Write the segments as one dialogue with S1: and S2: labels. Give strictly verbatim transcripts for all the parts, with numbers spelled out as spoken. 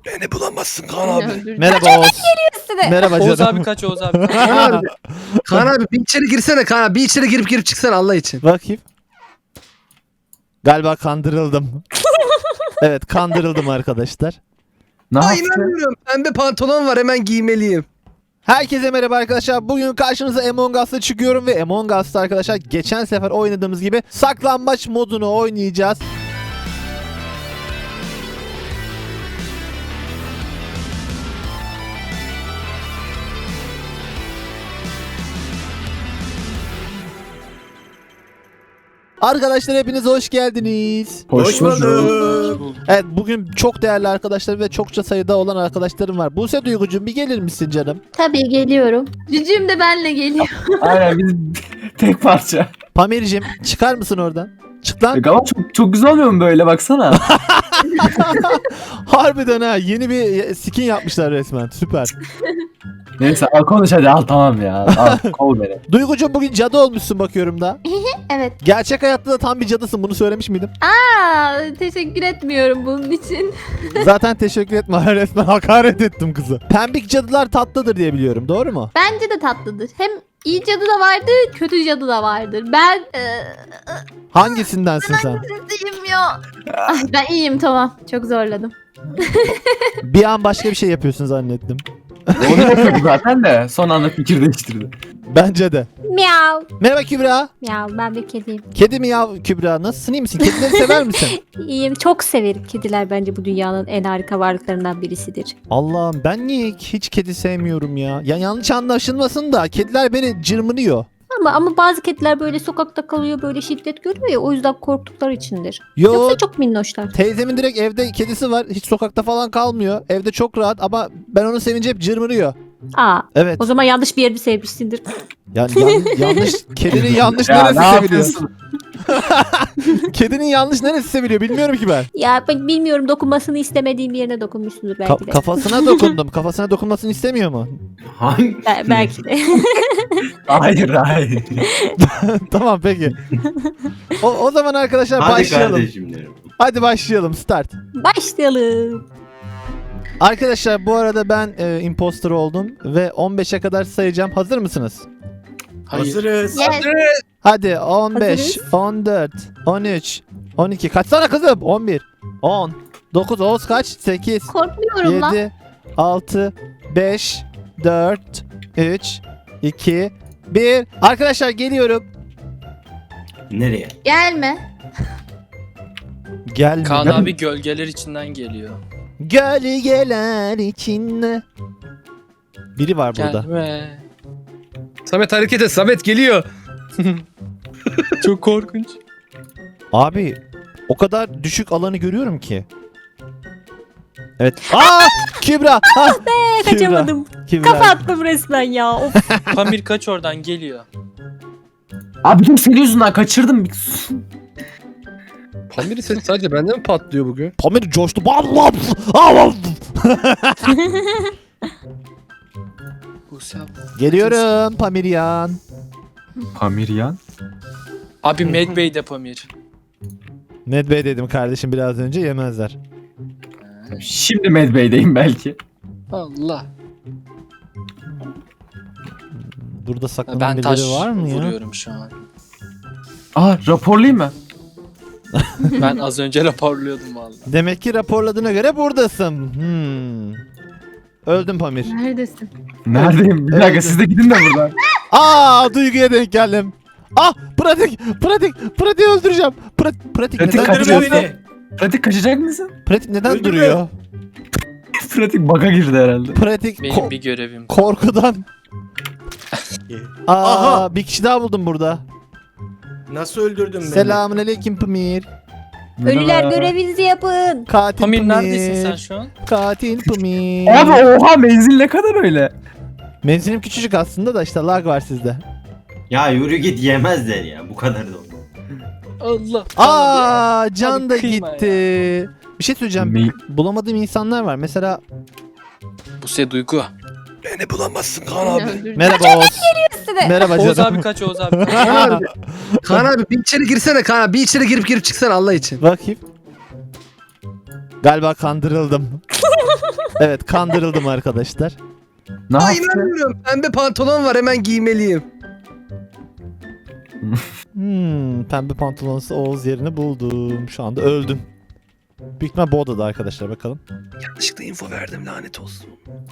S1: Beni bulamazsın Kaan abi.
S2: Merhaba Oğuz. Merhaba
S3: Oğuz
S2: canım.
S3: abi kaç Oğuz abi.
S1: Kaan abi. Kaan abi bir içeri girsene Kaan abi. Bir içeri girip girip çıksana Allah için.
S2: Bakayım. Galiba kandırıldım. Evet, kandırıldım arkadaşlar.
S4: Ne
S1: Ay
S4: yaptın?
S1: inanmıyorum. Pembe pantolon var, hemen giymeliyim.
S2: Herkese merhaba arkadaşlar. Bugün karşınıza Among Us'ta çıkıyorum ve Among Us'ta arkadaşlar geçen sefer oynadığımız gibi saklambaç modunu oynayacağız. Arkadaşlar hepiniz hoş geldiniz.
S4: Hoş bulduk.
S2: Evet, bugün çok değerli arkadaşlar ve çokça sayıda olan arkadaşlarım var. Buse Duygucuğum, bir gelir misin canım?
S5: Tabii geliyorum. Cücüğüm de benle geliyor.
S4: Aynen biz tek parça.
S2: Pamir'cim çıkar mısın oradan? Çık lan.
S4: E, ama çok, çok güzel olmuyor mu böyle baksana.
S2: Harbiden ha, yeni bir skin yapmışlar resmen. Süper.
S4: Neyse al konuş hadi al tamam ya. Al kol beni.
S2: Duygucuğum, bugün cadı olmuşsun bakıyorum da.
S5: Evet.
S2: Gerçek hayatta da tam bir cadısın, bunu söylemiş miydim?
S5: Aa, teşekkür etmiyorum bunun için.
S2: Zaten teşekkür etme, resmen hakaret ettim kızı. Pembik cadılar tatlıdır diye biliyorum, doğru mu?
S5: Bence de tatlıdır. Hem iyi cadı da vardır, kötü cadı da vardır. Ben eee
S2: Hangisindensin sen?
S5: iyiyim ya. Ay, ben iyiyim, tamam. Çok zorladım.
S2: Bir an başka bir şey yapıyorsun zannettim.
S4: Onu yapıyordu zaten de son anda fikir değiştirdi.
S2: Bence de.
S5: Miyav.
S2: Merhaba Kübra.
S5: Miyav, ben bir kediyim.
S2: Kedi mi ya Kübra? Nasılsın, iyi misin? Kedileri sever misin?
S5: İyiyim. Çok severim. Kediler bence bu dünyanın en harika varlıklarından birisidir.
S2: Allah'ım, ben niye hiç kedi sevmiyorum ya? Ya yanlış anlaşılmasın da kediler beni cırmınıyor.
S5: Ama ama bazı kediler böyle sokakta kalıyor, böyle şiddet görüyor ya, o yüzden korktukları içindir.
S2: Yo,
S5: Yoksa çok minnoşlar.
S2: teyzemin direkt evde kedisi var. Hiç sokakta falan kalmıyor. Evde çok rahat ama ben onu sevince hep cırmırıyor.
S5: Aa,
S2: Evet.
S5: o zaman yanlış bir yerini sevmişsindir.
S2: Yani yan- yanlış kedinin yanlış
S4: Ya
S2: neresi
S4: ne
S2: seviliyor?
S4: yapıyorsun?
S2: Kedinin yanlış neresi seviliyor bilmiyorum ki ben.
S5: Ya ben bilmiyorum, dokunmasını istemediğim yerine dokunmuşsundur belki
S2: Ka-
S5: de.
S2: kafasına dokundum. Kafasına dokunmasını istemiyor mu?
S4: Hangi?
S5: Be- belki de.
S4: Hayır hayır.
S2: Tamam peki. O, o zaman arkadaşlar
S6: Hadi
S2: başlayalım.
S6: kardeşim derim.
S2: Hadi başlayalım. Start.
S5: Başlayalım.
S2: Arkadaşlar bu arada ben e, imposter oldum ve on beşe kadar sayacağım. Hazır mısınız?
S3: Hayır.
S6: Hazırız.
S5: Yes.
S2: Hadi on beş,
S5: Hazırız.
S2: on dört, on üç, on iki. Kaçsana kızım? on bir, on, dokuz, Oğuz kaç? sekiz,
S5: Korkmuyorum lan.
S2: yedi, altı, beş, dört, üç, iki, bir. Arkadaşlar geliyorum.
S6: Nereye?
S5: Gelme.
S2: Gelme.
S3: Kaan abi gölgeler içinden geliyor.
S2: Gölgeler içinde. Biri var burada.
S3: Gelme.
S1: Samet hareket et. Samet geliyor.
S3: Çok korkunç.
S2: Abi o kadar düşük alanı görüyorum ki. Evet. Aa! Kübra. Ha!
S5: Ee,
S2: Kübra.
S5: kaçamadım.
S2: Kübra.
S5: Kafa attım resmen ya. Of.
S3: Pamir kaç oradan geliyor.
S4: Abi bütün senin yüzünden kaçırdım.
S1: Pamir'in sesi sadece bende mi patlıyor bugün?
S2: Pamir coştu. Bam, bam, bam.
S3: Buse abi.
S2: Geliyorum Pamiryan.
S4: Pamiryan.
S3: Abi Med Bey de Pamir.
S2: Ned Bey dedim kardeşim biraz önce, yemezler.
S4: Şimdi Medbay'deyim belki.
S3: Allah.
S2: Burada saklanan
S3: Ben taş
S2: birileri var mı ya?
S3: vuruyorum şu an.
S4: Aa raporlayayım mı?
S3: Ben az önce raporluyordum vallahi.
S2: Demek ki raporladığına göre buradasın. Hmm. Öldüm Pamir.
S5: Neredesin?
S4: Neredeyim? Bir dakika
S2: Evet.
S4: siz de gidin de buradan.
S2: Aa, Duygu'ya denk geldim. Ah, pratik, pratik, pratik öldüreceğim. Pra- pratik,
S4: Pratik
S2: neden
S4: kaçıyor.
S2: duruyorsun?
S4: Pratik kaçacak mısın?
S2: Pratik neden
S6: Öldürme.
S2: duruyor?
S4: Pratik bug'a girdi herhalde.
S2: Pratik
S3: Benim
S2: ko-
S3: bir görevim.
S2: korkudan. Aa,
S6: Aha.
S2: bir kişi daha buldum burada.
S6: Nasıl öldürdün beni?
S2: Selamünaleyküm Pamir.
S5: Ölüler
S4: Merhaba.
S5: görevinizi yapın.
S2: Katil
S3: Pamir
S2: Pamir.
S3: neredesin sen şu an?
S2: Katil Pamir.
S4: Abi oha menzil ne kadar öyle?
S2: Menzilim küçücük aslında da işte lag var sizde.
S6: Ya yürü git yemezler ya. Bu kadar da oldu.
S3: Allah.
S2: Aa, can
S3: Abi
S2: da
S3: kıyma
S2: gitti. Bir şey söyleyeceğim.
S4: Me-
S2: Bulamadığım insanlar var. Mesela
S3: Buse Duygu.
S1: Beni bulamazsın Kaan abi.
S2: merhaba Oğuz. Merhaba
S3: Oğuz
S2: canım.
S3: abi kaç Oğuz abi.
S1: Kaan abi. Kaan abi bir içeri girsene Kaan abi. Bir içeri girip girip çıksana Allah için.
S2: Bakayım. Galiba kandırıldım. Evet, kandırıldım arkadaşlar.
S4: Ne
S1: Ay
S4: yaptı?
S1: inanmıyorum. Pembe pantolon var hemen giymeliyim.
S2: Hmm, pembe pantolonsuz Oğuz yerini buldum. Şu anda öldüm. Büyük ihtimal bu odada arkadaşlar, bakalım.
S1: Yanlışlıkla info verdim lanet olsun.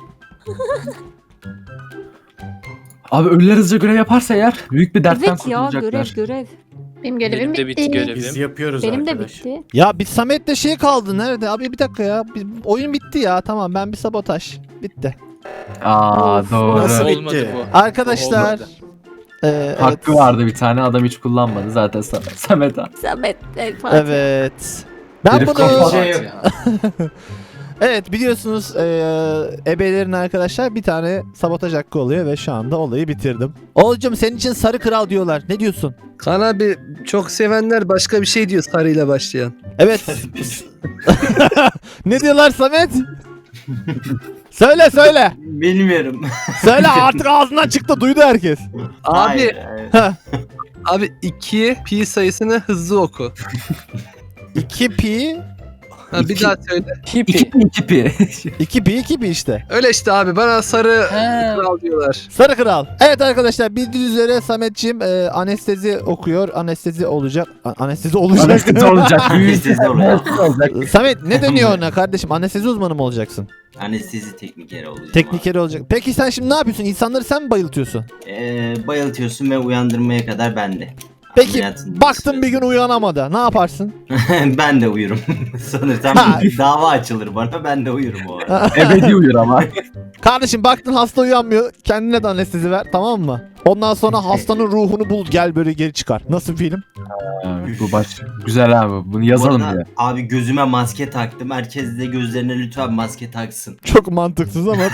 S4: Abi ölüler hızlıca görev yaparsa eğer büyük bir dertten
S5: Evet ya görev
S4: kurtulacaklar.
S5: görev.
S3: Benim
S5: Benim görevim
S3: de bitti
S5: bitti.
S3: görevim.
S6: Biz yapıyoruz
S5: Benim de
S6: arkadaş.
S5: bitti.
S2: Ya bir Samet'le şey kaldı. Nerede? Abi bir dakika ya. Bir- oyun bitti ya. Tamam, ben bir sabotaj. Bitti.
S4: Aa
S5: Of,
S4: doğru.
S6: Nasıl bitti?
S3: Olmadı bu.
S2: Arkadaşlar.
S3: Olmadı.
S2: e,
S4: Hakkı
S2: evet.
S4: vardı bir tane, adam hiç kullanmadı zaten Sa- Samet abi.
S5: Samet. Evet. Fatih.
S2: Evet. Ben
S4: Herif
S2: bunu
S4: kafa-
S6: Şey yok.
S3: Ya.
S2: evet biliyorsunuz e, ebelerin arkadaşlar bir tane sabotaj hakkı oluyor ve şu anda olayı bitirdim. Oğulcum, senin için sarı kral diyorlar. Ne diyorsun?
S1: Kaan abi çok sevenler başka bir şey diyor sarıyla başlayan.
S2: Evet. Ne diyorlar Samet? Söyle söyle.
S6: Bilmiyorum.
S2: Söyle artık, ağzından çıktı, duydu herkes.
S1: Abi
S6: Hayır, hayır.
S1: abi iki pi sayısını hızlı oku.
S2: iki pi
S1: Ha, bir
S4: İki-
S1: daha söyle.
S4: İki
S3: Hippie.
S4: pi iki pi.
S2: iki pi iki pi işte.
S1: Öyle işte abi bana sarı
S3: He.
S1: kral diyorlar.
S2: Sarı kral. Evet arkadaşlar, bildiğiniz üzere Sametciğim e, anestezi okuyor. Anestezi olacak. A- anestezi olacak.
S4: Anestezi olacak. Büyük
S6: Anestezi olacak.
S4: olacak.
S2: Samet ne deniyor ona kardeşim? Anestezi uzmanı mı olacaksın?
S6: Anestezi teknikeri olacak.
S2: Teknikeri olacak. Peki sen şimdi ne yapıyorsun? İnsanları sen mi bayıltıyorsun?
S6: Ee, bayıltıyorsun ve uyandırmaya kadar bende.
S2: Peki
S6: Ameliyatın
S2: baktın bir gün uyanamadı. Ne yaparsın?
S6: ben de uyurum. Sanırsam
S2: Ha.
S6: bir dava açılır bana, ben de uyurum o arada.
S4: Ebedi uyur ama.
S2: Kardeşim baktın hasta uyanmıyor. Kendine de anestezi ver, tamam mı? Ondan sonra hastanın ruhunu bul, gel böyle geri çıkar. Nasıl film?
S4: Evet, bu baş güzel abi. Bunu yazalım
S6: Bu arada
S4: diye.
S6: Abi gözüme maske taktım. Herkes de gözlerine lütfen maske taksın.
S2: Çok mantıksız ama.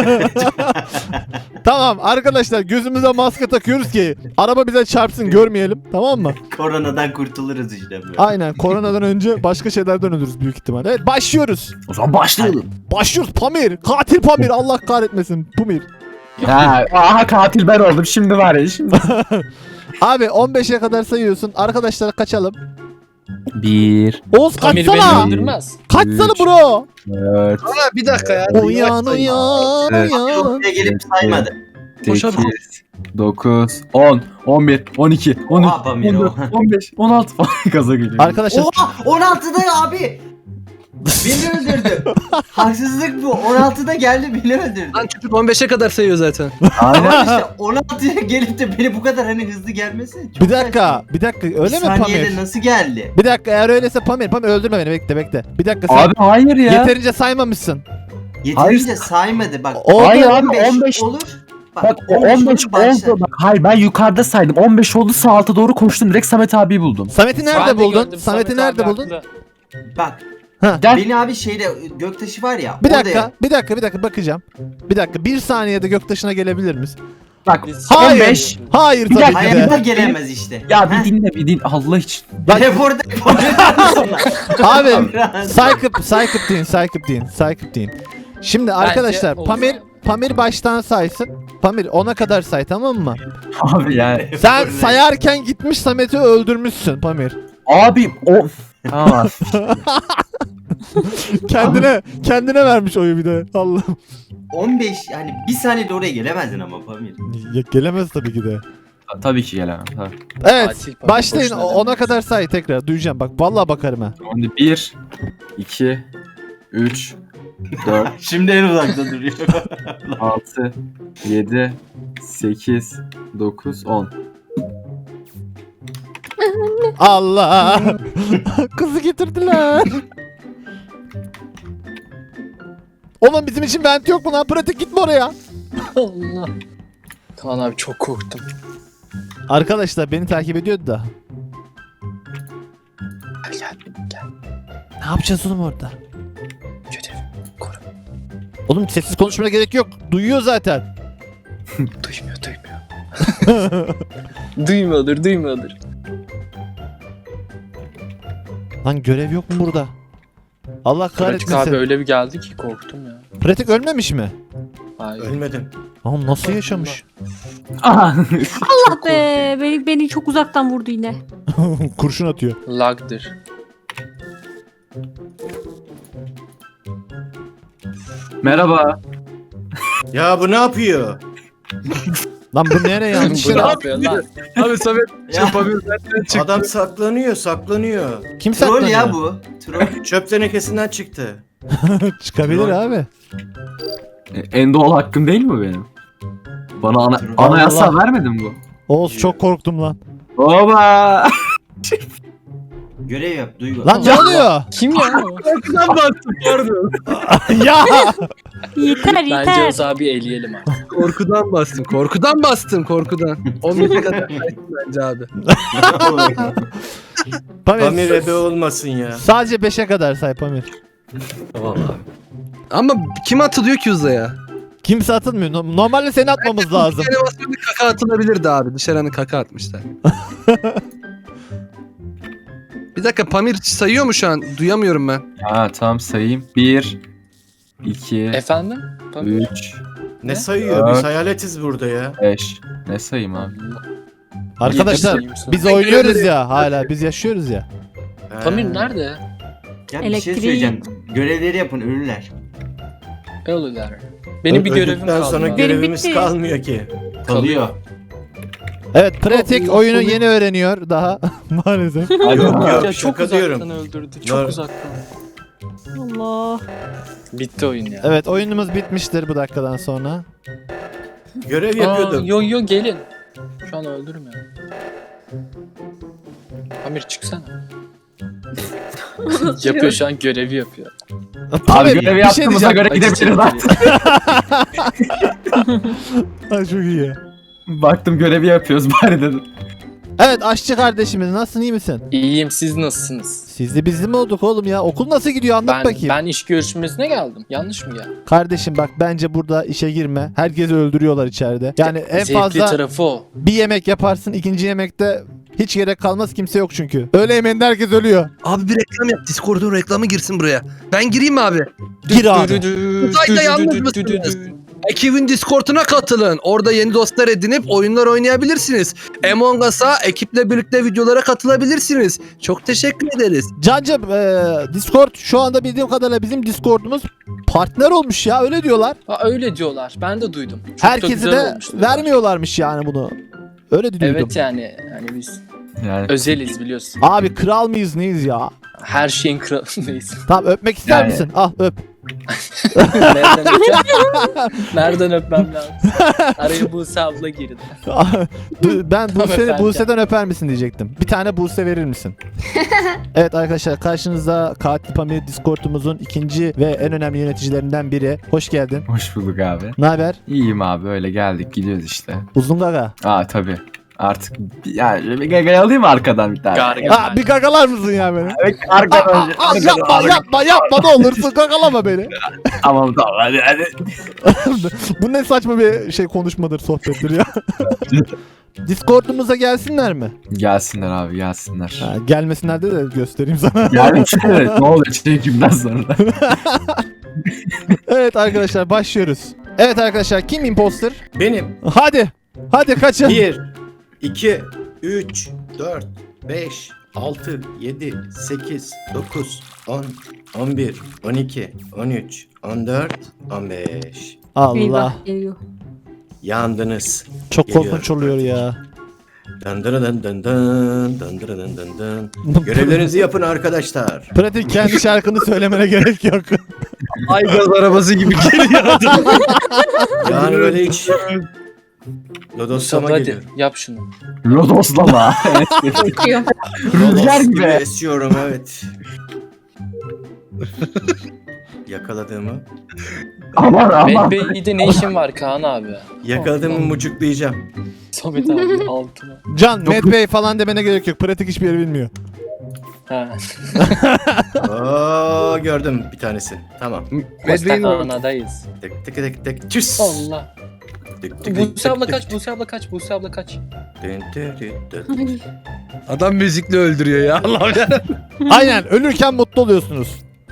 S2: Tamam arkadaşlar, gözümüze maske takıyoruz ki araba bize çarpsın, görmeyelim, tamam mı?
S6: Koronadan kurtuluruz işte böyle.
S2: Aynen, koronadan önce başka şeylerden ölürüz büyük ihtimal. Evet, başlıyoruz.
S4: O zaman başlayalım.
S2: Başlıyoruz. Pamir. Katil Pamir. Allah kahretmesin. Pamir.
S4: Ha, aha katil ben oldum. Şimdi var ya şimdi.
S2: Abi on beşe kadar sayıyorsun. Arkadaşlar kaçalım.
S4: Bir.
S2: Oğuz
S3: Pamir
S2: kaçsana.
S3: beni öldürmez.
S2: Kaçsana
S4: Üç.
S2: bro.
S4: Dört.
S1: Kaan abi bir dakika ya.
S2: Uyan uyan
S4: Evet.
S2: uyan.
S6: Oraya gelip saymadı.
S1: Koş abi, koş.
S4: sekiz. dokuz. on. on bir. on iki. on üç.
S6: Oha Pamir,
S4: on dört.
S6: oha.
S4: on beş. on altı falan gaza geliyor.
S2: Arkadaşlar
S6: Oha on altıda abi. Beni öldürdü. Haksızlık bu. on altıda geldi beni öldürdü.
S1: Lan çocuk on beşe kadar sayıyor zaten.
S4: Aynen.
S6: Ama işte on altıya gelip de beni bu kadar hani hızlı gelmesi çok
S2: bir dakika. Bir dakika.
S6: saçma.
S2: Öyle
S6: Bir
S2: mi
S6: saniyede
S2: Pamir?
S6: nasıl geldi?
S2: Bir dakika, eğer öyleyse Pamir. Pamir öldürme beni. Bekle bekle. Bir dakika, sen
S4: Abi hayır ya.
S2: yeterince saymamışsın.
S6: Yeterince saymadı bak.
S2: Oldu.
S4: Hayır abi
S6: on beş
S4: on beş.
S6: olur.
S4: Bak o on beş
S6: olur, başlar.
S4: oldu. Bak hayır ben yukarıda saydım. on beş oldu, sağ alta doğru koştum. Direkt Samet abiyi buldum.
S2: Samet'i nerede
S3: Ben de
S2: buldun?
S3: gördüm,
S2: Samet'i
S3: Samet
S2: nerede
S3: abi
S2: buldun?
S3: haklı.
S6: Bak
S4: Gel.
S6: beni abi şeyde göktaşı var ya.
S2: Bir
S6: orada
S2: dakika,
S6: ya-
S2: bir dakika, bir dakika bakacağım. Bir dakika, bir saniyede Göktaşı'na gelebilir miyiz?
S4: Bak
S3: Biz-
S2: Hayır.
S4: on beş.
S2: Hayır
S4: Bir
S2: tabii
S4: dakika,
S2: ki
S6: Hayatta
S2: de.
S6: gelemez işte.
S4: Ya bir
S6: Heh.
S4: dinle bir din Allah için.
S6: Teleport
S2: Abi Saykıp, Saykıp deyin, Saykıp deyin, Saykıp deyin. Şimdi arkadaşlar
S3: oldu.
S2: Pamir, Pamir baştan saysın. Pamir ona kadar say, tamam mı?
S4: Abi yani.
S2: Sen sayarken gitmiş Samet'i öldürmüşsün Pamir.
S4: Abi o. Tamam.
S2: Kendine kendine vermiş oyu bir de. Allah'ım.
S6: on beş yani bir saniyede oraya gelemezdin ama Pamir.
S2: Ya, gelemez tabii ki de.
S4: Tabii ki gelemem. Tabii.
S2: Evet,
S3: Katil Pamir
S2: başlayın.
S3: boşuna
S2: Ona
S3: demez.
S2: kadar say tekrar. Duyacağım bak, vallahi bakarım ha.
S4: Şimdi bir, iki, üç, dört,
S6: Şimdi en uzakta duruyor.
S4: altı, yedi, sekiz, dokuz, on.
S2: Allah. Kızı getirdiler. Oğlum bizim için vent yok mu lan? Pratik, gitme oraya.
S3: Allah. Kaan abi çok korktum.
S2: Arkadaşlar beni takip ediyordu da.
S3: Gel gel gel.
S2: Ne yapacağız oğlum orada?
S3: Görev. Koru.
S2: Oğlum sessiz konuşmana gerek yok. Duyuyor zaten.
S3: Duymuyor duymuyor. Duymuyordur duymuyordur.
S2: Lan görev yok mu burada? Allah
S3: Pratik abi
S2: kahretmesin.
S3: öyle bir geldi ki korktum ya.
S2: Pratik ölmemiş mi?
S3: Hayır.
S6: Ölmedim.
S2: Oğlum nasıl yaşamış?
S4: Aha.
S5: Allah be. Beni, beni çok uzaktan vurdu yine.
S2: Kurşun atıyor.
S3: Lag'dır.
S4: Merhaba.
S7: Ya bu ne yapıyor?
S2: Lan bu nereye yanlış
S3: Bu ne
S2: yere?
S3: yapıyor lan?
S1: Abi Samet
S6: Ya.
S1: şu Pamir zaten çıktı.
S7: Adam saklanıyor, saklanıyor.
S2: Kim
S6: Troll
S2: saklanıyor?
S6: ya bu. Troll.
S7: Çöp tenekesinden çıktı.
S2: Çıkabilir
S7: Troll.
S2: abi.
S4: E, en doğal hakkım değil mi benim? Bana ana,
S6: Allah.
S4: anayasa vermedin bu.
S2: Oğuz çok korktum lan.
S4: Baba.
S6: Görev yap Duygu.
S2: Lan ne oluyor?
S3: Kim ya o?
S1: Korkudan bastım pardon.
S2: Ya.
S5: Yeter
S3: Bence
S5: yeter.
S3: Oğuz abi eleyelim abi.
S1: Korkudan bastım. Korkudan bastım korkudan. on beşe kadar kaçtım bence abi.
S2: Pamir,
S7: Pamir ebe olmasın ya.
S2: sadece beşe kadar say Pamir.
S1: Tamam abi. Ama kim atılıyor ki uzaya?
S2: Kimse atılmıyor. No- Normalde seni atmamız lazım.
S1: Animasyonda kaka atılabilirdi abi. Dışarı kaka atmışlar. Bir dakika Pamir sayıyor mu şu an? Duyamıyorum ben.
S4: Ha tamam sayayım. Bir. iki.
S3: Efendim? Pamir.
S4: Üç.
S7: Ne sayıyor? Biz
S4: Evet.
S7: hayaletiz burada ya.
S4: Beş. Ne sayayım abi?
S2: Arkadaşlar
S3: Yapayım
S2: biz
S3: sana.
S2: oynuyoruz ya hala. Biz yaşıyoruz ya.
S7: He.
S3: Pamir nerede?
S6: Ya bir şey
S5: Elektriği-
S6: söyleyeceğim. Görevleri yapın ölürler.
S3: Ne oluyorlar? Benim bir görevim
S7: Öldükten
S3: kaldı.
S7: sonra
S3: abi.
S5: Benim
S7: görevimiz
S5: bitti.
S7: kalmıyor ki.
S6: Kalıyor.
S2: Evet pratik
S3: Allah
S2: oyunu
S3: Allah.
S2: yeni öğreniyor daha maalesef.
S4: Hadi
S7: Yok,
S4: bakalım.
S3: Ya çok
S7: şaka
S3: uzaktan
S7: diyorum.
S3: öldürdü. Çok
S7: Var.
S3: uzaktan.
S5: Allah.
S3: Bitti oyun ya.
S2: Evet oyunumuz bitmiştir bu dakikadan sonra.
S7: Görev
S3: Aa,
S7: yapıyordum.
S3: yo yo gelin. Şu an öldürmüyor. Pamir çıksana. Yapıyor şu an görevi yapıyor.
S4: Abi
S2: Pamir,
S4: görevi
S2: bir şey
S4: yaptığımıza
S2: diyeceğim.
S4: göre gidebiliriz artık.
S2: Ha, çok iyi.
S4: Baktım görevi yapıyoruz bari dedim.
S2: Evet aşçı kardeşimiz nasılsın iyi misin?
S3: İyiyim, siz nasılsınız?
S2: Siz de bizli mi olduk oğlum ya? Okul nasıl gidiyor anlat
S3: Ben,
S2: bakayım.
S3: ben iş görüşmesine geldim. Yanlış mı geldim?
S2: Kardeşim bak bence burada işe girme. Herkesi öldürüyorlar içeride. Yani en
S3: Zevkli
S2: fazla
S3: tarafı o.
S2: bir yemek yaparsın, ikinci yemekte hiç gerek kalmaz, kimse yok çünkü. Öğle yemeğinde herkes ölüyor.
S1: Abi bir reklam yap. Discord'un reklamı girsin buraya. Ben gireyim mi abi?
S2: Gir abi.
S1: Uzayda yalnız mısınız? Ekibin Discord'una katılın. Orada yeni dostlar edinip oyunlar oynayabilirsiniz. Among Us'a ekiple birlikte videolara katılabilirsiniz. Çok teşekkür ederiz.
S2: Cancım e, Discord şu anda bildiğim kadarıyla bizim Discord'umuz partner olmuş ya öyle diyorlar.
S3: Ha, öyle diyorlar. Ben de duydum. Çok da
S2: Herkese
S3: güzel
S2: de
S3: olmuş diyorlar.
S2: vermiyorlarmış yani bunu. Öyle duydum.
S3: Evet yani. Yani biz
S4: Yani
S3: özeliz biliyorsun.
S2: Abi kral mıyız neyiz ya?
S3: Her şeyin kralındayız.
S2: Tamam öpmek ister
S4: Yani.
S2: misin? Al öp.
S3: Nereden öpeceğim? Nereden öpmem lazım? Araya Buse abla girdi.
S2: Du- ben
S3: Tamam
S2: Buse,
S3: efendim.
S2: Buse'den öper misin diyecektim. Bir tane Buse verir misin? Evet arkadaşlar karşınızda Katil Pamir Discord'umuzun ikinci ve en önemli yöneticilerinden biri. Hoş geldin.
S4: hoş bulduk abi.
S2: Ne haber?
S4: İyiyim abi öyle geldik gidiyoruz işte.
S2: Uzun gaga.
S4: Aa tabii. Artık bir- yani bir gagayı alayım mı arkadan bir tane?
S3: Gargamel.
S2: Aa, bir gagalar mısın ya beni?
S4: Evet, arkadan
S2: Aa,
S4: önce.
S2: aa,
S4: arkadan,
S2: yapma
S4: arkadan.
S2: yapma yapma ne olursun gagalama beni.
S4: Tamam tamam hadi hadi.
S2: Bu ne saçma bir şey konuşmadır sohbettir ya. Discord'umuza gelsinler mi?
S4: Gelsinler abi gelsinler.
S2: Ha, gelmesinler de de göstereyim sana.
S4: Yani evet, ne oluyor çekimden sonra.
S2: Evet arkadaşlar başlıyoruz. Evet arkadaşlar kim imposter?
S7: Benim.
S2: Hadi. Hadi kaçın.
S7: bir, iki, üç, dört, beş, altı, yedi, sekiz, dokuz, on, on bir, on iki, on üç, on dört, on beş.
S2: Allah.
S5: Eyvah geliyor.
S7: Yandınız.
S2: Çok
S7: Geliyorum.
S2: korkunç oluyor ya.
S7: Dın dın dın dın dın, dın dın dın dın dın. Görevlerinizi yapın arkadaşlar.
S2: Pratik kendi şarkını söylemene gerek yok.
S1: Aygaz arabası gibi geliyor adam.
S7: Yani böyle hiç Lodoslama
S3: Hadi
S7: geliyor.
S3: yap şunu.
S4: Lodoslama.
S5: Korkuyor.
S4: Rüzgar
S7: Lodos gibi
S4: gibi.
S7: esiyorum evet. Yakaladığımı,
S4: Aman aman.
S3: Medbay'de ne işin var Kaan abi?
S7: yakaladığımı mucuklayacağım.
S3: Samet abi altıma.
S2: Can, Mad Bey falan demene gerek yok. Pratik hiçbir yeri bilmiyor.
S3: Ha.
S7: Oo gördüm bir tanesi. Tamam.
S1: Medve'nin o-
S3: Hastanedayız.
S7: Tık tık tık tık. Çüss.
S3: Allah.
S7: Tık tık tık
S3: Buse abla
S7: tık
S3: kaç,
S7: tık.
S3: Buse abla kaç, Buse abla kaç.
S7: Dın tı tı tı.
S5: Ay,
S1: adam müzikle öldürüyor ya Allah'ım ya.
S2: Aynen. Ölürken mutlu oluyorsunuz.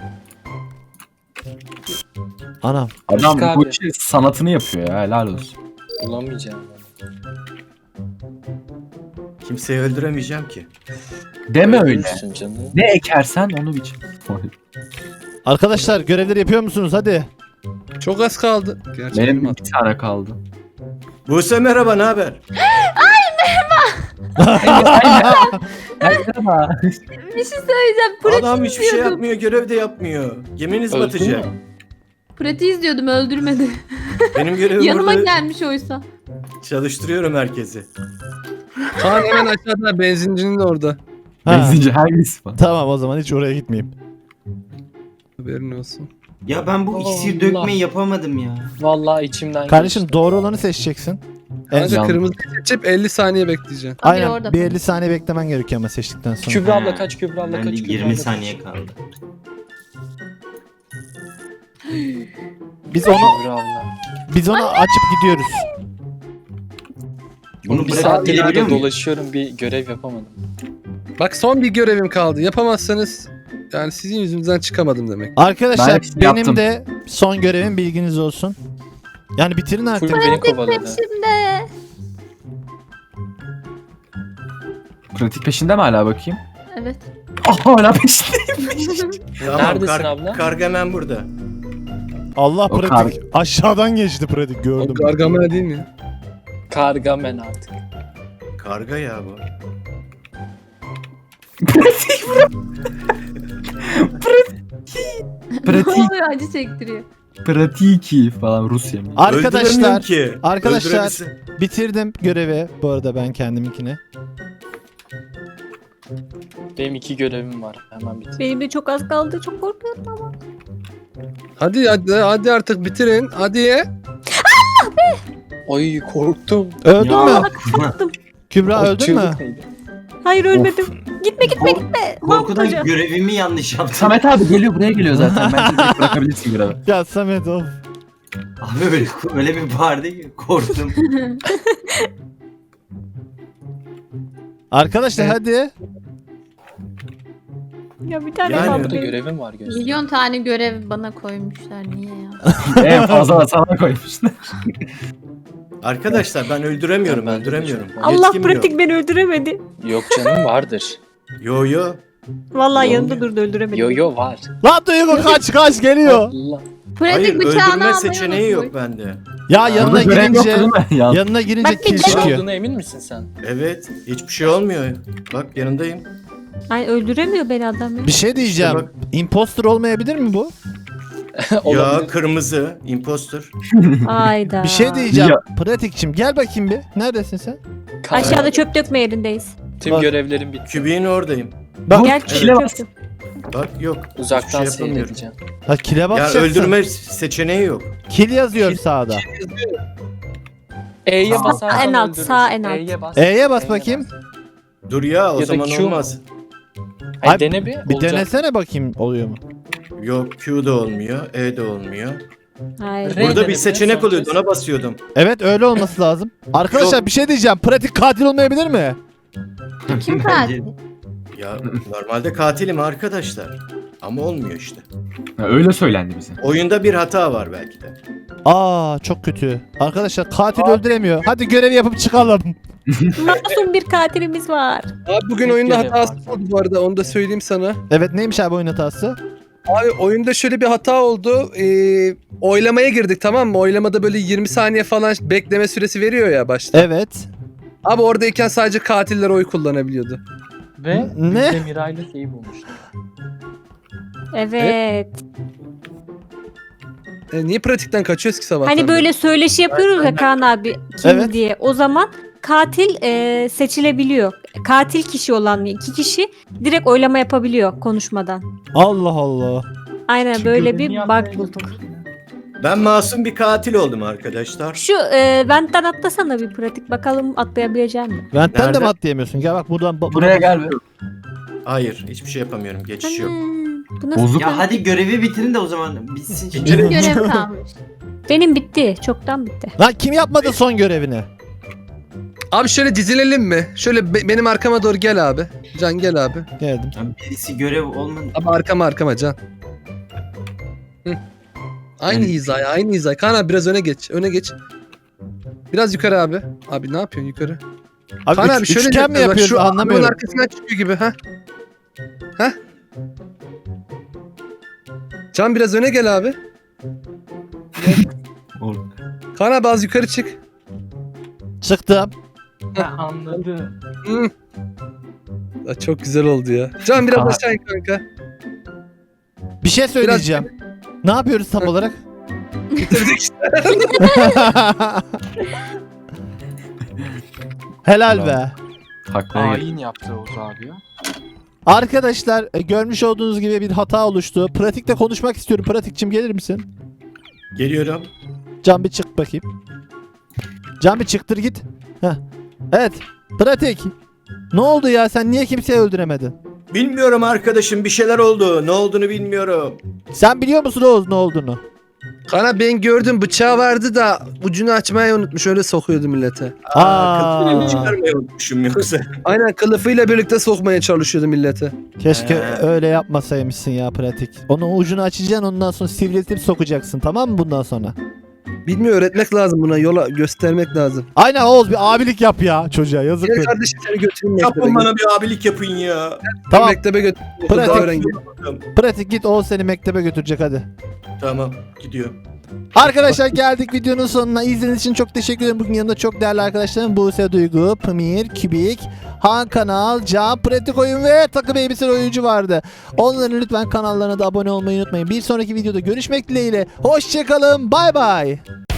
S2: Anam.
S4: Adam
S3: Rıfkı
S4: bu
S3: abi.
S4: işin sanatını yapıyor ya helal olsun.
S3: Bulamayacağım.
S7: Kimseyi öldüremeyeceğim ki.
S4: Deme öyle.
S3: Öldürürsün canım.
S4: Ne ekersen onu biçim.
S2: Arkadaşlar görevleri yapıyor musunuz? Hadi.
S1: Çok az kaldı. Gerçi
S4: Benim
S1: benim
S4: bir tane kaldı.
S7: Buse merhaba, ne haber?
S4: Merhaba.
S5: Bir şey söyleyeceğim. Pratik
S7: Adam hiçbir şey
S5: izliyordum.
S7: yapmıyor, görev de yapmıyor. Geminiz
S3: Öldü
S7: batacak.
S3: mü?
S5: Pratiği izliyordum, öldürmedi.
S7: Benim görevim
S5: Yanıma
S7: burada
S5: gelmiş oysa.
S7: çalıştırıyorum herkesi.
S1: Kaan hemen aşağıda benzincinin de orada.
S2: Ha,
S4: Benzinci hangisi falan.
S2: tamam o zaman hiç oraya gitmeyeyim.
S1: Haberin olsun.
S6: Ya ben bu iksir
S3: Allah.
S6: dökmeyi yapamadım ya.
S3: Vallahi içimden
S2: Kardeşim
S3: geçti.
S2: doğru olanı seçeceksin. En
S1: Kanka
S4: Yan-
S1: kırmızı seçip elli saniye bekleyeceksin.
S5: Tabii
S2: Aynen
S5: orada.
S2: bir elli saniye beklemen gerekiyor ama seçtikten sonra.
S3: Kübra abla
S6: Ha.
S3: kaç, Kübra abla
S6: Ben de
S3: kaç, Kübra abla
S6: yirmi
S3: kaç.
S6: saniye kaldı.
S2: Biz onu
S3: Kübra abla.
S2: biz onu açıp gidiyoruz.
S6: Bunu
S3: Bir
S6: bırakıp
S3: saattir
S6: gidebiliyor
S3: burada
S6: muyum?
S3: dolaşıyorum, bir görev yapamadım.
S1: Bak son bir görevim kaldı. Yapamazsanız yani sizin yüzünüzden çıkamadım demek.
S2: Arkadaşlar
S4: Ben hepsini
S2: benim
S4: yaptım.
S2: de son görevim, bilginiz olsun. Yani bitirin artık.
S3: Full beni kovaladı.
S5: Şimdi.
S4: Pratik peşinde mi hala bakayım?
S5: Evet.
S4: Ah hala peşinde.
S7: Tamam,
S3: Neredesin abla?
S7: Kargamen burada.
S2: Allah
S4: O
S2: pratik. Aşağıdan geçti pratik
S1: O
S2: gördüm.
S1: Gargamel değil mi?
S3: Kargamen artık.
S7: Karga ya bu.
S5: Ne
S4: Pratik.
S5: oluyor, acı çektiriyor.
S4: Pratiki falan Rusya mı?
S7: Öldüremiyorum
S2: Arkadaşlar
S7: ki.
S2: arkadaşlar-
S7: Öldürebilsin.
S2: bitirdim görevi. Bu arada ben kendiminkini.
S3: Benim iki görevim var. Hemen bitir.
S5: Benim de çok az kaldı. Çok korkuyorum ama.
S1: Hadi hadi hadi artık bitirin. Hadi.
S3: Ay korktum.
S2: Öldün
S4: Ya.
S2: mü?
S5: Korktum.
S2: Kübra
S3: O
S2: öldün mü?
S3: çığlık neydi?
S5: Hayır ölmedim. Gitme gitme
S6: Kork-
S5: gitme. Mahmut
S6: Korkudan
S5: Hoca.
S6: görevimi yanlış yaptım.
S4: Samet abi geliyor, buraya geliyor zaten. Bence direkt bırakabilirsin görevi.
S2: Ya Samet of.
S6: Abi böyle, öyle bir bağırdı ki korktum.
S2: Arkadaşlar hadi.
S5: Ya bir tane
S7: Yani-
S5: kaldı
S3: Burada
S5: benim.
S3: görevim var göster.
S5: Milyon tane görev bana koymuşlar. Niye ya?
S4: En fazla da sana koymuşlar.
S7: Arkadaşlar ben öldüremiyorum,
S3: Ben de
S7: öldüremiyorum.
S3: çok-
S5: Allah
S7: Yetkim
S5: pratik
S7: yok.
S5: beni öldüremedi.
S3: Yok canım vardır.
S7: Yo yo.
S5: Vallahi
S3: Yo.
S5: yanında durdu öldüremedi.
S3: Yo yo var.
S2: Lan Duygu kaç kaç geliyor.
S3: Allah.
S5: Pratik
S7: Hayır,
S5: bıçağını
S7: öldürme
S5: almayı
S7: seçeneği yok
S5: unutmuş.
S7: bende.
S2: Ya yanına
S4: Burada görev yoktu
S2: girince
S4: değil mi? Ya.
S2: yanına girince
S5: Bak bir
S2: kill
S5: de-
S3: Var
S2: çıkıyor.
S3: olduğuna emin misin sen?
S7: Evet, hiçbir şey olmuyor. Bak yanındayım.
S5: Ay öldüremiyor beni adam ya.
S2: Bir şey diyeceğim.
S7: İşte
S2: Imposter olmayabilir mi bu?
S7: Ya
S3: Olabilir.
S7: kırmızı, imposter.
S5: Ayda.
S2: Bir şey diyeceğim.
S4: Ya.
S2: Pratikçim gel bakayım bir. Neredesin sen?
S3: Kar-
S5: Aşağıda çöp dökme yerindeyiz.
S3: Tüm
S2: Bak.
S3: görevlerim bitti.
S7: Kübiğin oradayım.
S2: Bak.
S5: Gel
S7: evet.
S5: çöp dök.
S7: Bak yok.
S3: Uzaktan
S7: hiçbir şey yapamıyorum.
S3: seyredeceğim.
S2: Ha kile
S7: Ya
S2: basacaksın.
S7: öldürme seçeneği yok.
S2: Kill yazıyor sağda.
S3: E'ye
S4: Sağ-
S3: basarsan
S5: en alt,
S3: öldürürsün.
S5: sağ en alt.
S3: E'ye bas.
S2: E'ye bas
S3: E'ye
S2: bakayım.
S7: Dur ya o
S3: Ya da
S7: zaman
S3: Q.
S7: olmaz.
S3: Ay,
S2: Ay,
S3: dene bir.
S2: Bir
S3: olacak.
S2: denesene bakayım oluyor mu?
S7: Yok Q da olmuyor, E de olmuyor.
S5: Hayır.
S3: Re-
S7: Burada bir
S3: denemeye
S7: seçenek
S3: son
S7: oluyordu,
S3: kez.
S7: ona basıyordum.
S2: Evet öyle olması lazım. Arkadaşlar
S7: Yok.
S2: bir şey diyeceğim. Pratik katil olmayabilir mi?
S5: Kim katil?
S7: Ya normalde katilim arkadaşlar. Ama olmuyor işte.
S4: Ha, öyle söylendi bize.
S7: Oyunda bir hata var belki de.
S2: Aa çok kötü. Arkadaşlar katil öldüremiyor. Hadi görev yapıp çıkalım.
S5: Masum bir katilimiz var.
S1: Abi bugün
S3: Tek
S1: oyunda
S3: görev
S1: hatası
S3: var.
S1: oldu bu arada, onu da söyleyeyim sana.
S2: Evet neymiş abi oyun hatası?
S1: Abi oyunda şöyle bir hata oldu. Ee, oylamaya girdik, tamam mı? Oylamada böyle yirmi saniye falan bekleme süresi veriyor ya başta.
S2: Evet.
S1: Abi oradayken sadece katiller oy kullanabiliyordu.
S3: Ve
S2: Ne?
S3: biz de Miray'la şeyi bulmuştuk.
S5: Evet.
S1: E, niye pratikten kaçıyoruz ki sabahtan
S5: Hani
S1: beri?
S5: böyle söyleşi yapıyoruz ya Kaan abi kim
S2: Evet.
S5: diye. O zaman katil e, seçilebiliyor. Katil kişi olan iki kişi direkt oylama yapabiliyor konuşmadan.
S2: Allah Allah.
S5: Aynen böyle bir bug bulduk.
S7: Ben masum bir katil oldum arkadaşlar.
S5: Şu e, benden atlasana bir pratik bakalım atlayabilecek mi?
S2: Ventten de
S7: Nerede?
S2: mi atlayamıyorsun? Gel bak buradan. bu-
S4: Buraya gel be.
S7: Hayır, hiçbir şey yapamıyorum. Geçiş yok.
S5: Bu nasıl
S4: Bozuk.
S6: Ya hadi görevi bitirin de o zaman bitsin.
S5: bir görev kalmış? Benim bitti. Çoktan bitti.
S2: Lan kim yapmadı son görevini?
S1: Abi şöyle dizilelim mi? Şöyle be- benim arkama doğru gel abi. Can gel abi.
S2: Geldim.
S6: Ya birisi görev olmadı.
S1: Abi arkama arkama Can. Hı. Aynı
S6: Yani-
S1: hizaya, aynı hizaya. Kaan abi biraz öne geç, öne geç. Biraz yukarı abi. Abi ne yapıyorsun yukarı?
S2: Abi,
S1: Kaan
S2: üç-
S1: abi şöyle
S2: üçgen mi
S1: bak,
S2: yapıyorsun
S1: şu arabanın
S2: anlamıyorum.
S1: arkasından çıkıyor gibi ha. Ha? Can biraz öne gel abi. Kaan abi az yukarı çık.
S2: Çıktım.
S3: Ha, anladım.
S1: Hı. Aa, çok güzel oldu ya. Can biraz
S4: Kaan-
S1: aşağı in kanka.
S2: Bir şey söyleyeceğim. Ne yapıyoruz tam olarak?
S1: Bitirdik işte.
S2: Helal be.
S4: Taklaya gel.
S8: Hain yaptı Oğuz abi ya.
S2: Arkadaşlar e, görmüş olduğunuz gibi bir hata oluştu. Pratikte konuşmak istiyorum. Pratikçim gelir misin?
S7: Geliyorum.
S2: Can bir çık bakayım. Can bir çıktır git. Heh. Evet. Pratik. Ne oldu ya? Sen niye kimseyi öldüremedin?
S7: Bilmiyorum arkadaşım, bir şeyler oldu. Ne olduğunu bilmiyorum.
S2: Sen biliyor musun Oğuz ne olduğunu?
S1: Kaan abi ben gördüm bıçağı vardı da ucunu açmayı unutmuş öyle sokuyordu millete.
S7: Aa,
S2: Aa.
S7: kılıfını çıkarmayı unutmuşum yoksa.
S1: Aynen kılıfıyla birlikte sokmaya çalışıyordu millete.
S2: Keşke
S7: Ee.
S2: öyle yapmasaymışsın ya pratik. Onun ucunu açacaksın ondan sonra sivriltip sokacaksın tamam mı bundan sonra?
S1: Bilmiyor öğretmek lazım buna yola göstermek lazım.
S2: Aynen Oğuz bir abilik yap ya çocuğa yazık.
S1: Gel kardeşim seni götüreyim mektebe.
S7: Yapın bana bir abilik yapın ya.
S2: Tamam
S1: Mektebe götüreyim.
S2: Pratik.
S1: Daha öğren gel.
S2: pratik git Oğuz seni mektebe götürecek hadi.
S7: Tamam, gidiyorum.
S2: Arkadaşlar geldik videonun sonuna. İzlediğiniz için çok teşekkür ederim. Bugün yanımda çok değerli arkadaşlarım Buse Duygu, Pamir, Kübik, Han Kanal, Can, Pratik Oyun ve takım elbiseli oyuncu vardı. Onların lütfen kanallarına da abone olmayı unutmayın. Bir sonraki videoda görüşmek dileğiyle. Hoşçakalın. Bay bay.